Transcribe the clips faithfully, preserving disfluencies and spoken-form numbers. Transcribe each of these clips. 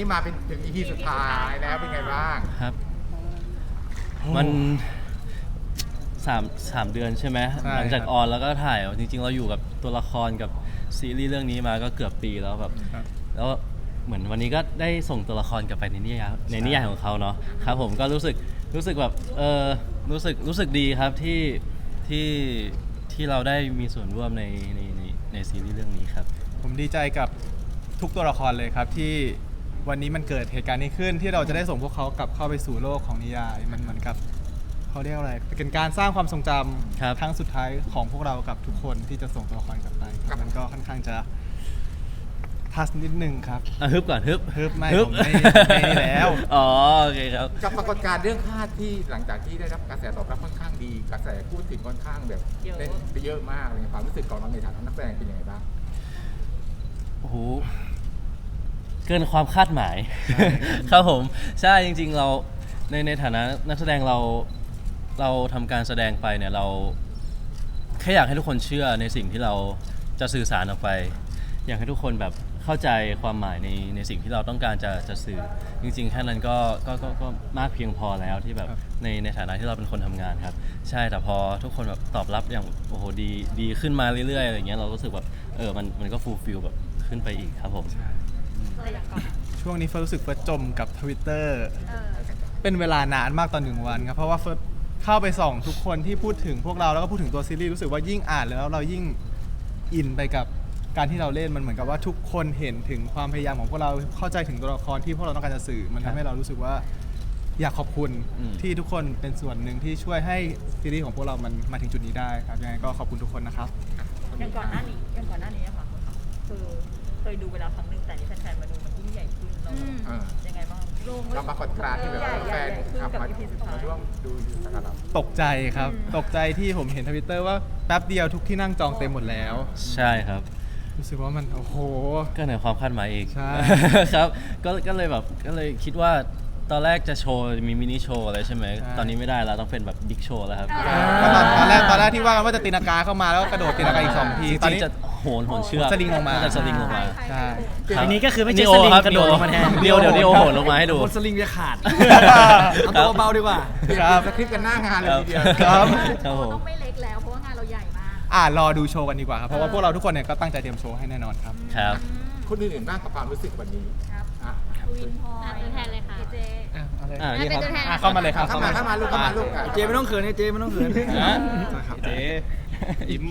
มาเป็นถึง อี พี สุดท้ายแล้วเป็นไงบ้างครับมันสามสามเดือนใช่ไหมหลังจากออนแล้วก็ถ่ายจริงๆเราอยู่กับตัวละครกับซีรีส์เรื่องนี้มาก็เกือบปีแล้วแบบแล้วเหมือนวันนี้ก็ได้ส่งตัวละครกลับไปในนิยายในนิยายของเขาเนาะครับผมก็รู้สึกรู้สึกแบบเออรู้สึกรู้สึกดีครับที่ที่ที่เราได้มีส่วนร่วมในในในในซีรีส์เรื่องนี้ครับผมดีใจกับทุกตัวละครเลยครับที่วันนี้มันเกิดเหตุการณ์นี้ขึ้นที่เราจะได้ส่งพวกเขากลับเข้าไปสู่โลกของนิยายมันเหมือนกับเขาเรียกอะไรเป็นการสร้างความทรงจำครั้งสุดท้ายของพวกเรากับทุกคนที่จะส่งตัวละครกลับไปมันก็ค่อนข้างจะทัสนิดนึงครับอ่ะฮึบก่อนฮึบฮึบไม่ผมไม่ไม่แล้วอ๋อโอเคครับกับปรากฏการณ์เรื่องคาดที่หลังจากที่ได้รับกระแสตอบรับค่อนข้างดีกระแสพูดถึงค่อนข้างแบบเล่นไปเยอะมากเลยความรู้สึกของเราในฐานะนักแสดงเป็นยังไงบ้างโอ้โหเกินความคาดหมายครับผมใช่จริงๆเราในในฐานะนักแสดงเราเราทำการแสดงไปเนี่ยเราแค่อยากให้ทุกคนเชื่อในสิ่งที่เราจะสื่อสารออกไปอยากให้ทุกคนแบบเข้าใจความหมายในในสิ่งที่เราต้องการจะจะสื่อจริงๆแค่นั้นก็ก็ก็ก็มากเพียงพอแล้วที่แบบในในฐานะที่เราเป็นคนทำงานครับใช่แต่พอทุกคนแบบตอบรับอย่างโอ้โหดีดีขึ้นมาเรื่อยๆอะไรเงี้ยเรารู้สึกแบบเออมันมันก็ฟูลฟิลแบบขึ้นไปอีกครับผมช่วงนี้เฟิร์สรู้สึกเฟิร์สจมกับ Twitter เป็นเวลานานมากตอนหนึ่งวันครับเพราะว่าเฟิร์สเข้าไปส่องทุกคนที่พูดถึงพวกเราแล้วก็พูดถึงตัวซีรีส์รู้สึกว่ายิ่งอ่านแล้วเรายิ่งอินไปกับการที่เราเล่นมันเหมือนกับว่าทุกคนเห็นถึงความพยายามของพวกเราเข้าใจถึงตัวละครที่พวกเราต้องการจะสื่อมันทำให้เรารู้สึกว่าอยากขอบคุณที่ทุกคนเป็นส่วนหนึ่งที่ช่วยให้ซีรีส์ของพวกเรามันมาถึงจุดนี้ได้ครับยังไงก็ขอบคุณทุกคนนะครับอย่างก่อนหน้านี้อย่างก่อนหน้านี้ค่ะคือเคยดูเวลาครั้งหนึ่งแต่นี่แฟนๆมาดูมันยิ่งใหญ่ขึ้นเรายังไงบ้างกับปรากฏการณ์ที่แบบแฟนขับมาร่วมดูอยู่สักการะตกใจครับตกใจที่ผมเห็นทวิตเตอร์ว่าแป๊บเดียวทุกที่นั่งจองเต็มหมดแล้วใช่ครับรู้สึกว่ามันโอ้โหก็เหนือความคาดหมายอีกใช่ครับก็ก็เลยแบบก็เลยคิดว่าตอนแรกจะโชว์มีมินิโชว์อะไรใช่ไหมตอนนี้ไม่ได้แล้วต้องเป็นแบบบิ๊กโชว์แล้วครับตอนแรกตอนแรกที่ว่ากันว่าจะตีนากาเข้ามาแล้วก็กระโดดตีนากาอีกสองทีตอนนี้จะโหนโหนเชือกสลิงลงมาจะสลิงลงมาใช่อันนี้ก็คือไม่ใช่สลิงกระโดดลงมาแทนเดียวเดี๋ยวนี้โอโหนลงมาให้ดูสลิงจะขาดเอาตัวเบาดีกว่าครับสคริปต์กันหน้างานเลยทีเดียวครับต้องไม่เล็กแล้วเพราะว่างานเราใหญ่มากอ่ารอดูโชว์กันดีกว่าครับเพราะว่าพวกเราทุกคนเนี่ยก็ตั้งใจเตรียมโชว์ให้แน่นอนครับครับคนอื่นๆบ้างกับความรู้สึกวันนี้ครับวินพอตัวแทนเลยค่ะเจอ่านี่ครับเข้ามาเลยครับเข้ามาเข้ามาลูกเข้ามาลูกเจไม่ต้องเขินเจไม่ต้องเขินเจยิ้ม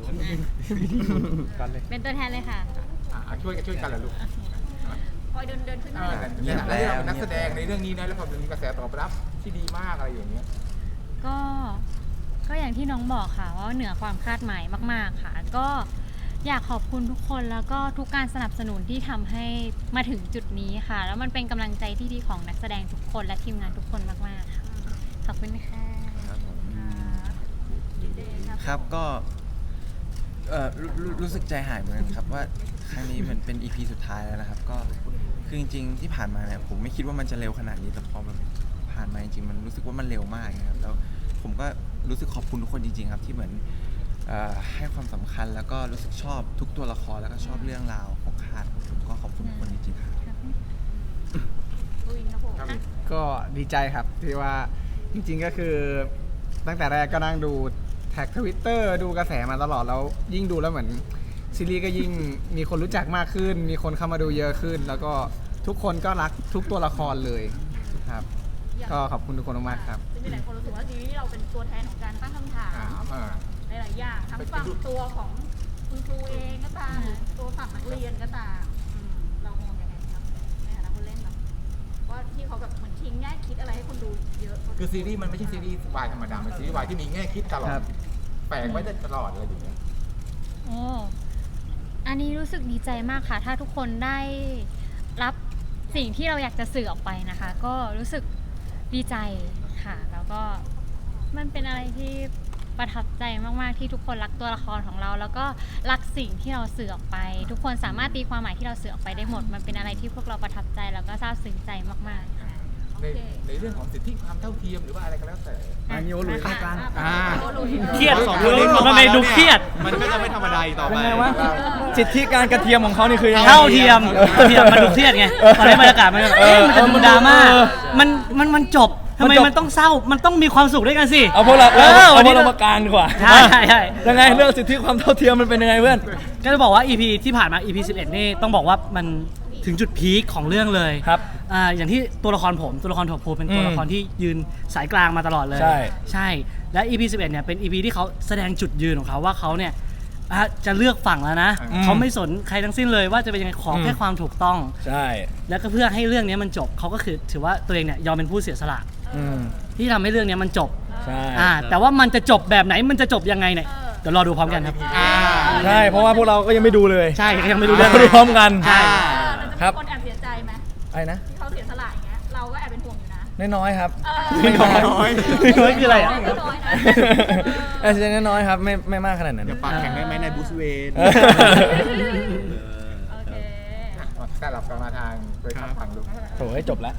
กันเลยเป็นตัวแทนเลยค่ะช่วยกันช่วยกันเลยลูกคอยเดินเดินขึ้นมาเนี่ยแล้วเราเป็นนักแสดงในเรื่องนี้นะแล้วพอมีกระแสตอบรับที่ดีมากอะไรอย่างเงี้ยก็ก็อย่างที่น้องบอกค่ะว่าเหนือความคาดหมายมากๆค่ะก็อยากขอบคุณทุกคนแล้วก็ทุกการสนับสนุนที่ทำให้มาถึงจุดนี้ค่ะแล้วมันเป็นกำลังใจที่ดีของนักแสดงทุกคนและทีมงานทุกคนมากๆค่ะขอบคุณค่ะครับก็รู้สึกใจหายเหมือนกันครับว่าครั้งนี้มันเป็น อี พี สุดท้ายแล้วนะครับก็คือจริงๆที่ผ่านมาเนี่ยผมไม่คิดว่ามันจะเร็วขนาดนี้แต่พอมันผ่านมาจริงๆมันรู้สึกว่ามันเร็วมากนะครับแล้วผมก็รู้สึกขอบคุณทุกคนจริงๆครับที่เหมือนให้ความสำคัญแล้วก็รู้สึกชอบทุกตัวละครแล้วก็ชอบเรื่องราวของคาดผมก็ขอบคุณทุกคนจริงๆครับก็ดีใจครับที่ว่าจริงๆก็คือตั้งแต่แรกก็นั่งดูแท็กทวิตเตอร์ดูกระแสมาตลอดแล้วยิ่งดูแล้วเหมือนซีรีส์ก็ยิ่งมีคนรู้จักมากขึ้นมีคนเข้ามาดูเยอะขึ้นแล้วก็ทุกคนก็รักทุกตัวละครเลยครับก็ขอบคุณทุกคนมากครับมีหลายคนรู้สึกว่าซีรีส์เราเป็นตัวแทนของการตั้งคำถามหลายอย่างทั้งฝั่งตัวของคุณครูเองก็ตามตัวฝั่งนักเรียนก็ตามเรามองยังไงครับในฐานะคนเล่นแบบว่าที่เขาแบบเหมือนทิ้งแง่คิดอะไรให้คนดูเยอะคือซีรีส์มันไม่ใช่ซีรีส์วายธรรมดามันซีรีส์วายที่มีแง่คิดตลอดแฝงไว้ตลอดอะไรอย่างเงี้ยโอ้อันนี้รู้สึกดีใจมากค่ะถ้าทุกคนได้รับสิ่งที่เราอยากจะสื่อออกไปนะคะก็รู้สึกดีใจค่ะแล้วก็มันเป็นอะไรที่ประทับใจมากๆที่ทุกคนรักตัวละครของเราแล้วก็รักสิ่งที่เราสื่อออกไปทุกคนสามารถตีความหมายที่เราสื่อออกไปได้หมดมันเป็นอะไรที่พวกเราประทับใจแล้วก็ซาบซึ้งใจมากๆค่ะในในเรื่องของสิทธิความเท่าเทียมหรือว่าอะไรก็แล้วแต่อันนี้โอลุยเข้ากลางอ่าเครียดสองคนนี้เข้าทำไมดูเครียดมันก็จะไม่ธรรมดาอีกต่อไปยังไงวะสิทธิการกระเทียมของเขานี่คือยังไงเท่าเทียมเท่าเทียมมันดูเครียดไงตอนนี้บรรยากาศมันแบบเอ๊ะมันจะดูดราม่ามันมันมันจบทำไมมันต้องเศร้ามันต้องมีความสุขด้วยกันสิเอาพวกเราเอเอาอเอาวันพวนี้กเรามากลางดีกว่าใช่ใช่ใช่ยังไงเรื่องสิทธิความเท่าเทียมมันเป็นยังไงเพื่อนก็จะบอกว่า อี พี ที่ผ่านมา อี พี สิบเอ็ดนี่ต้องบอกว่ามันถึงจุดพีคของเรื่องเลยครับอ่าอย่างที่ตัวละครผมตัวละครถั่วพูเป็นตัวละครที่ยืนสายกลางมาตลอดเลยใช่ใช่และ อี พี สิบเอ็ดเนี่ยเป็น อี พี ที่เขาแสดงจุดยืนของเขาว่าเขาเนี่ยอ่ะจะเลือกฝั่งแล้วนะอืมเขาไม่สนใครทั้งสิ้นเลยว่าจะเป็นยังไงขอแค่อืมความถูกต้องใช่แล้วก็เพื่อให้เรื่องนี้มันจบเขาก็คือถือว่าตัวเองเนี่ยยอมเป็นผู้เสียสละอืมที่ทำให้เรื่องนี้มันจบใช่อ่าแต่ว่ามันจะจบแบบไหนมันจะจบยังไงเนี่ยเดี๋ยวรอดูพร้อมกันครับอ่าใช่เพราะว่าพวกเราก็ยังไม่ดูเลยใช่ยังไม่รู้เรื่เรื่ออง งดูพร้อมกันใช่แต่จะมีคนแอบเสียใจไหมอะไรนะที่เขาเสียสละอย่างเงี้ยเราก็แอบเป็นห่วงอยู่นะน้อยๆครับเออไม่น้อยน้อยคืออะไรอ่ะไม่น้อยนะเออน้อยๆครับไม่ไม่มากขนาดนั้นอย่าปากแข็งได้ไหมในบูสเวนเออโอเคสลับกันมาทางโดยทางฝั่งลูกโถ่ให้จบแล้ว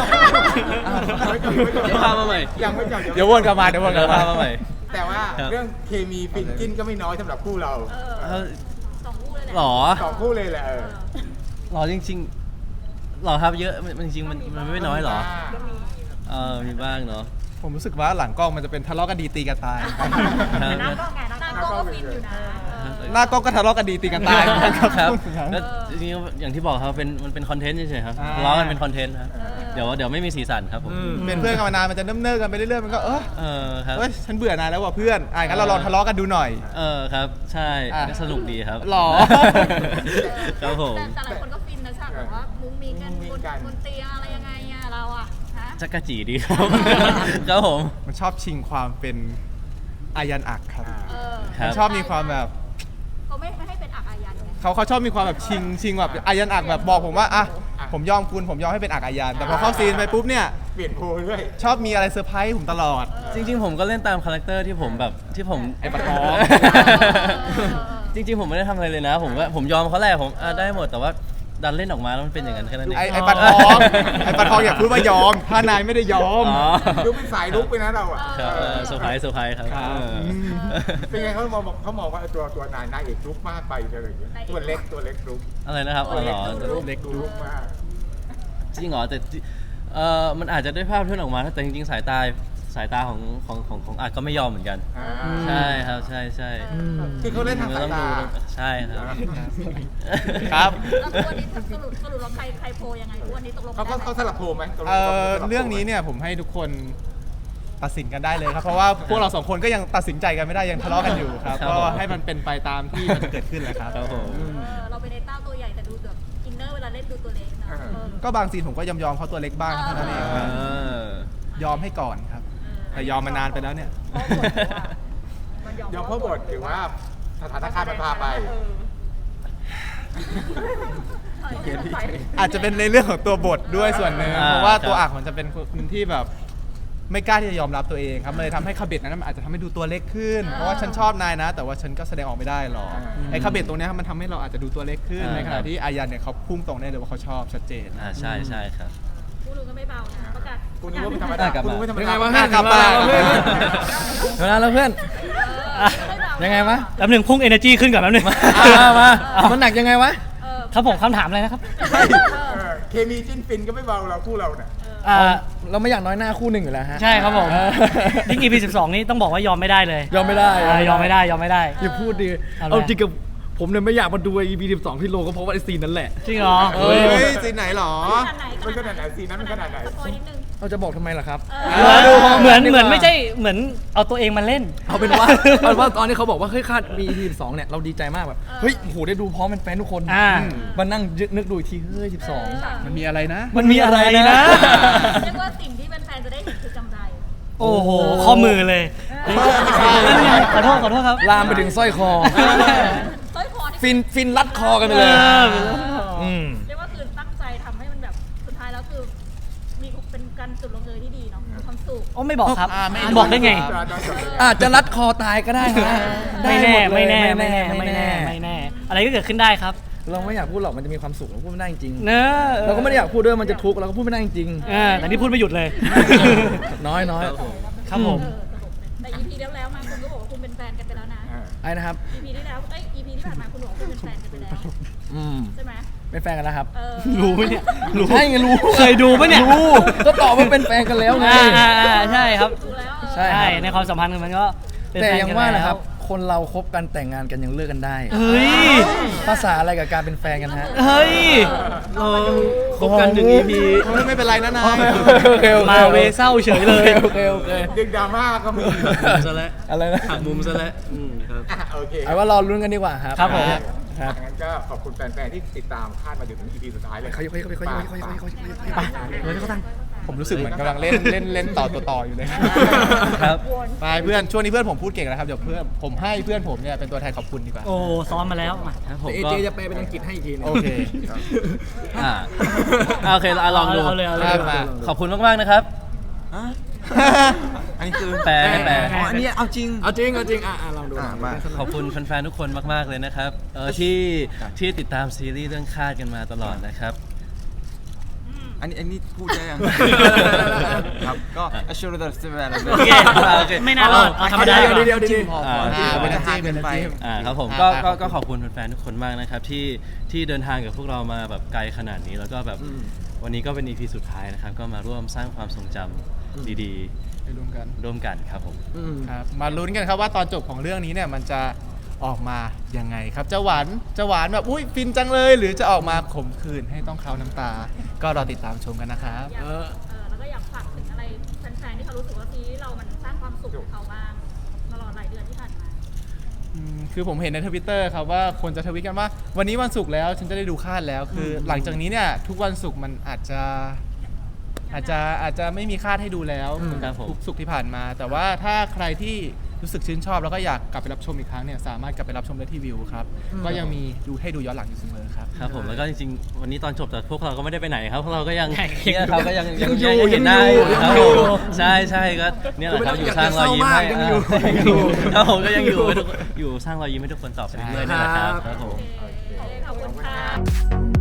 เดี๋ยวพามาใหม่ยังไม่จบเดี๋ยววนกลับมาเดี๋ยววนกเดี๋ลัยบวมาพามาใหม่แต่ว่าครับเรื่องเคมีฟินจิ้นก็ไม่น้อยสำหรับคู่เราเออเออสองคู่เลยแหละหรอสองคู่เลยแหละเออหรอจริงๆหรอครับเยอะมันจริงๆมันมันไม่น้อยหรอเออมีบ้างเนาะผมรู้สึกว่าหลังกล้องมันจะเป็นทะเลาะกันดีตีกันตายครับน้ำก็ไงน้ำก็ฟินอยู่นะเออหน้ากล้องก็ทะเลาะกันดีตีกันตายครับแล้วจริงๆอย่างที่บอกครับเป็นมันเป็นคอนเทนต์เฉยๆครับอ่าทะเลาะกันเป็นคอนเทนต์ครับเดี๋ยวเดี๋ยวไม่มีสีสันครับผมเป็นเพื่อนกันมานานมันจะเนิ่มๆกันไปเรื่อยๆมันก็เออเออครับเฮ้ยฉันเบื่อนายแล้วว่ะเพื่อนอ่ะงั้นเราลองทะเลาะกันดูหน่อยเออครับใช่อ่ะก็สนุกดีครับหรอครับผมแต่แต่หลายคนก็ฟินนะฉากแบบว่ามุ้งมิ้งกันบนบนเตียงอะไรยังไงอะเราอะฮะจักรจีดีครับ ครับผมมันชอบชิงความเป็นอายันอักครับเออครับมันชอบมีความแบบเขาไม่ไม่ให้เป็นอักอายันไงเขาเขาชอบมีความแบบชิงชิงแบบอายันอักแบบบอกผมว่าอ่ะผมยอมคุณผมยอมให้เป็นอักอายันแต่พอเข้าซีนไปปุ๊บเนี่ยเปลี่ยนโพลเรื่อยชอบมีอะไรเซอร์ไพรส์ผมตลอดจริงๆ ผมก็เล่นตามคาแรคเตอร์ที่ผมแบบที่ผมไอ้ปะท้องจริง ๆ ผมไม่ได้ทำอะไรเลยนะ ผมก็ผมยอมเขาแหละผมอ่ะได้หมดแต่ว่าดันเล่นออกมาแล้วมันเป็นอย่างนั้นแค่นั้นเองไอ้ไอ้ปะท้องไอ้ปะท้องอย่าพูดว่ายอม ถ้านายไม่ได้ยอมอ๋อดูเป็นสายลุกไปนะเราอ่ะครับเออเซอร์ไพรส์เซอร์ไพรส์ครับครับเออเป็นไงเขามองเขามองว่าตัวตัวนายนายเอกลุกมากไปอะไรอย่างเงี้ยตัวเล็กตัวเล็กลุกอะไรนะครับอ๋อเหรอเล็กลุกมากจริงเหรอแต่เออมันอาจจะด้วยภาพที่ออกมาแต่จริงๆ สายตาสายตาของของของของอาจก็ไม่ยอมเหมือนกันอ่าใช่ครับใช่ใช่คือเขาเล่นทางสายต้องตาดูใช่ครับครับแล้วตัวนี้สรุปสรุปเราใครใครโพลยังไงตัวนี้ตกลงเขาได้ก็ไหมเขาสลับโพลไหมตกลงเอ่อขาสลับโพลไหมเรื่องนี้เนี่ยผมให้ทุกคนตัดสินกันได้เลยครับ เพราะว่าพวกเราสองคนก็ยังตัดสินใจกันไม่ได้ยังทะเลาะกันอยู่ครับครับก็ผมให้มันเป็นไปตามที่มันจะเกิดขึ้นแหละครับครับผมเออเราเป็นไอ้เต้าตัวใหญ่แต่ดูแบบอินเนอร์เวลาเล่นดูตัวเล็กนะเออก็บางซีนผมก็ยอมยอมเขาตัวเล็กบ้างเท่านั้นเองเออยอมให้ก่อนครับ แต่ยอมมานานไปแล้วเนี่ยมันยอมเพราะบทหรือว่าสถานการณ์มันพาไปอาจจะเป็นในเรื่องของตัวบทด้วยส่วนหนึ่งอ่าเพราะว่าตัวครับอักมันจะเป็นคนที่แบบไม่กล้าที่จะยอมรับตัวเองครับมันเลยทำให้คาเบตนั้นมันอาจจะทำให้ดูตัวเล็กขึ้น เพราะว่าฉันชอบนายนะ แต่ว่าฉันก็แสดงออกไม่ได้หรอกอ่าไอ้คาเบตตรงเนี้ยครับมันทำให้เราอาจจะดูตัวเล็กขึ้นอ่าในขครัณะบที่อายันเนี่ยเขาพุ่งตรงได้เลยว่าเขาชอบชัดเจนอ่าใช่ใช่ครับผู้รู้ก็ไม่เบานะประกาศคุณนึกว่าเป็นธรรมได้ดากลับคุณมานึกว่าธรรมยังไงดาวะกลับมาเวลาแล้วเพื่อน ยังไงวะแป๊บหนึ่งพุ่ง energy ขึ้นก่อนแป๊บหนึงมามามันหนักยังไงวะเออครับผมคำถามอะไรนะครับเออเคมีจิ้นฟินก็ไม่เบาเราคู่เราเนี่ยอ่าเราไม่อยากน้อยหน้าคู่หนึ่งอยู่แล้วฮะใช่ครับผมเออยิ่ง อี พี สิบสองนี่ต้องบอกว่ายอมไม่ได้เลยยอมไม่ได้อ่ายอมไม่ได้ยอมไม่ได้อย่าพูดดิเอาเลยเอาจริงกับผมเนี่ยไม่อยากมาดู อี พี สิบสองที่โลก็เพราะว่าไอซีนนั้นแหละจริงเหรอเอเฮ้อยซีนไหนหรอขนาดไหนมันขนาดไหนซีนนั้นมันขนาดไหนสปอยนิดนึงเราจะบอกทำไมล่ะครับเออดูพร้เหมือนกัดีกเหมือนว่าไม่ใช่เหมือนเอาตัวเองมาเล่นเอาเป็นว่า เอาเป็นว่าตอนนี้เขาบอกว่าเฮ้ยคาดมี อี พี สิบสองเนี่ยเราดีใจมากแบบเฮ้ยโอ้โหได้ดูพร้อมเป็นแฟนทุกคนอ่ามานั่งนึกดูอีกทีเฮ้ยสิบสองมันมีอะไรนะมันมีอะไรนะเรียกว่าสิ่งที่แฟนๆจะได้เห็นคือกำไรโอ้โห ข้อมือเลยนั่นไงขอโทษขอโทษครับลามไปถึงสร้อยคอสร้อยคอนี่ฟินฟินรัดคอกันไปเลยเอออืมเรียกว่าคือตั้งใจทำให้มันแบบสุดท้ายแล้วคือมีเป็นการจุดลงเอยที่ดีเนาะมีความสุขโอ้ไม่บอกครับอ่าไม่บอกได้ไงอาจจะรัดคอตายก็ได้นะไม่แน่ด้หดเลยไม่แน่ไม่แน่ไม่แน่ไม่แน่ อะไรก็เกิดขึ้นได้ครับเราไม่อยากพูดหรอกมันจะมีความสุขเราพูดไม่ได้จริงเนอะเราก็ไม่ได้อยากพูดด้วยมันจะทุกข์เราก็พูดไม่ได้จริงเออแต่นี่พูดไม่หยุดเลยน้อยน้อยครับผมเออแต่ อี พี แล้วแล้วมาคุณก็บอกว่าคุณเป็นแฟนกันไปแล้วนะไอ้นะครับอี พี ที่แล้วเอ้ย อี พี ที่ผ่านมาคุณบอกว่าคุณเป็นแฟนกันไปแล้วอืมใช่ไหมเป็นแฟนกันแล้วครับเออรู้ไหมเนี่ยรู้ใช่ไงรู้เคยดูปะเนี่ยรู้ก็ตอบว่าเป็นแฟนกันแล้วไงอ่าอ่าอ่าใช่ครับดูแล้วเออใช่ครับในความสัมพันธ์มันก็เป็นแต่ฟนยังกันว่าแล้นะครับ คนเราคบกันแต่งงานกันยังเลิกกันได้เฮ้ยภาษาอะไรกับการเป็นแฟนกันฮะเฮ้ยเออคบกันหนึ่ง อี พีไม่เป็นไรนะนายโอเคโอเคมาเวเศร้าเฉยเลยโอเคโอเคดึงดราม่าก็มีซะแล้วอะไรนะหักมุมซะแล้วอืมครับอ่ะโอเคเอาว่ารอลุ้นกันดีกว่าครับครับผมครับงั้นก็ขอบคุณแฟนๆที่ติดตามคาดมาถึง อี พี สุดท้ายเลยเขาเขาเขาเขาเขาเขาเขาเขาไปเลยเขาตั้งผมรู้สึกเหมือนกำลังเล่นเล่นเล่นต่อต่อต่ออยู่เลยครับไปเพื่อนช่วงนี้เพื่อนผมพูดเก่งแล้วครับเดี๋ยวเพื่อนผมให้เพื่อนผมเนี่ยเป็นตัวแทนขอบคุณดีกว่าโอ้ซ้อมมาแล้วมาครับผมเอก็เจจะแปลเป็นอังกฤษให้อีกทีนึงโอเคอ่าอ่าโอเคอ่ะลองดูเอาเลยเอาเลยได้มาขอบคุณมากๆนะครับอันนี้คือแปลให้แปลอ๋ออันนี้เอาจริงเอาจริงเอาจริงอ่ะอ่ะลองดูอ่ะมาขอบคุณแฟนๆทุกคนมากๆเลยนะครับเออที่ที่ติดตามซีรีส์เรื่องคาดกันมาตลอดนะครับอันนี้อันนี้พูดได้ยัง ครับก็อชูรดัสเซเว่นโอเคโอเคไม่น่ารอดเอาธรรมดาเดี๋ยวก่อนเดี๋ยวเดี๋ยวพออ่าพออ่าที่เป็เป็น นน้ำจิ้ทางมเป็นเกินไปน้ำจิ้มอ่าครับผมอ่าก็ครัก็บก็ขอบคุณแฟนๆทุกคนมากนะครับที่ที่เดินทางกับพวกเรามาแบบไกลขนาดนี้แล้วก็แบบวันนี้ก็เป็น อี พี สุดท้ายนะครับก็มาร่วมสร้างความทรงจำดีไปลุ้นกันๆ ร่วมกันครับผมครับมาลุ้นกันครับว่าตอนจบของเรื่องนี้เนี่ยมันจะออกมายังไงครับจะหวานจะหวานแบบอุ้ยฟินจังเลย หรือจะออกมาขมขื่นให้ต้องเคล้าน้ำตา ก็รอติดตามชมกันนะครับอยากเออแล้วก็อยากฝากถึงอะไรแฟนๆที่เขารู้สึกว่าซีรีส์เรามันสร้างความสุขกับเขาบ้างตลอดหลายเดือนที่ผ่านมาอืมคือผมเห็นในทวิตเตอร์ครับว่าคนจะทวิตกันว่า วันนี้วันศุกร์แล้วฉันจะได้ดูคาดแล้ว คือหลังจากนี้เนี่ยทุกวันศุกร์มันอาจจะอาจจะอาจจะไม่มีคาดให้ดูแล้วเหมือนครับผมทุกศุกร์ที่ผ่านมา แต่ว่าถ้าใครที่รู้สึกชื่นชอบแล้วก็อยากกลับไปรับชมอีกครั้งเนี่ยสามารถกลับไปรับชมได้ที่วิวครับก็ยังมีดูให้ดูย้อนหลังอยู่เสมอครับครับผมแล้วก็จริงๆวันนี้ตอนจบแต่พวกเราก็ไม่ได้ไปไหนครับพวกเราก็ยังยังเนี่ยครับก็ยังยังอยู่ยังเห็นหน้ายังอยู่อยู่ครับยังอยู่ผมใช่ใช่ก็เนี่ยแหละครับอยู่สร้างรอยยิ้มให้ยังอยู่อ่ายังอยู่ครับผมก็ยังอยู่ให้ทุกอยู่สร้างรอยยิ้มให้ทุกคนต่อไปเรื่อยๆนี่แหละครับครับผมโอเคขอบคุณค่ะ